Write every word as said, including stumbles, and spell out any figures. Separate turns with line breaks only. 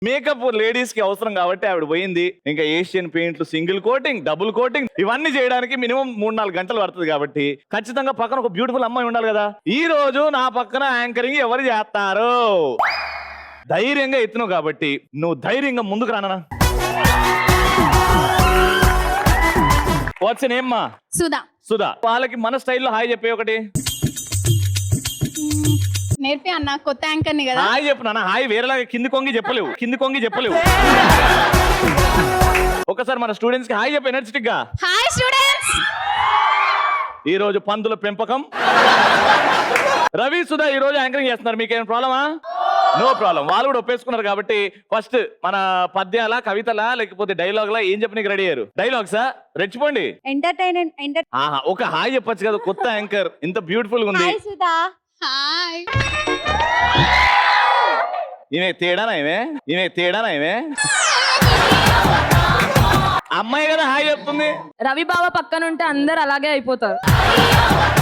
Makeup ladies కి అవసరం కాబట్టి ఆవిడ పోయింది. ఇంకా ఏషియన్ పెయింట్లు, సింగిల్ కోటింగ్, డబుల్ కోటింగ్ ఇవన్నీ చేయడానికి మినిమం మూడు నాలుగు గంటలు పడుతుంది. కాబట్టి ఖచ్చితంగా పక్కన ఒక బ్యూటిఫుల్ అమ్మాయి ఉండాలి కదా. ఈ రోజు నా పక్కన యాంకరింగ్ ఎవరు చేస్తారు? ధైర్యంగా ఎత్తున్నావు కాబట్టి నువ్వు ధైర్యంగా ముందుకు రానా. వాట్స్ నేమ్ మా?
సుధా.
సుధా. వాళ్ళకి మన స్టైల్లో హాయ్ చెప్పే ఒకటి
నేర్పి అన్న, కొత్త యాంకర్ ని కదా.
హాయ్ చెప్పు నాన్న. హాయ్ వేరేలాగా కింది కొంగి చెప్పలేవు, కింది కొంగి చెప్పలేవు. ఒకసారి మన స్టూడెంట్స్ కి హాయ్ చెప్పు ఎనర్జెటిక్ గా.
Hi students.
ఈ రోజు పందుల పెంపకం. రవి, సుధా ఈ రోజు యాంకరింగ్ చేస్తున్నారు. మీకేం ప్రాబ్లమా? No problem. వాళ్ళు కూడా ఒప్పేసుకున్నారు కాబట్టి ఫస్ట్ మన పద్యాల, కవితలా లేకపోతే డైలాగ్ లా ఏం చెప్పనీకి రెడీ అయ్యారు? డైలాగ్సా? రెచ్చిపోండి.
ఎంటర్టైన్మెంట్.
ఆహా, ఒక హాయ్ చెప్పొచ్చు కదా. కొత్త యాంకర్ ఇంత బ్యూటిఫుల్ గా ఉంది.
హాయ్ సుధా.
హాయ్.
ఈమె తేడానా? ఈమె ఈమె తేడానా? ఈమె అమ్మాయి కదా హాయ్ చెప్తుంది.
రవి బావ పక్కన ఉంటే అందరు అలాగే అయిపోతారు.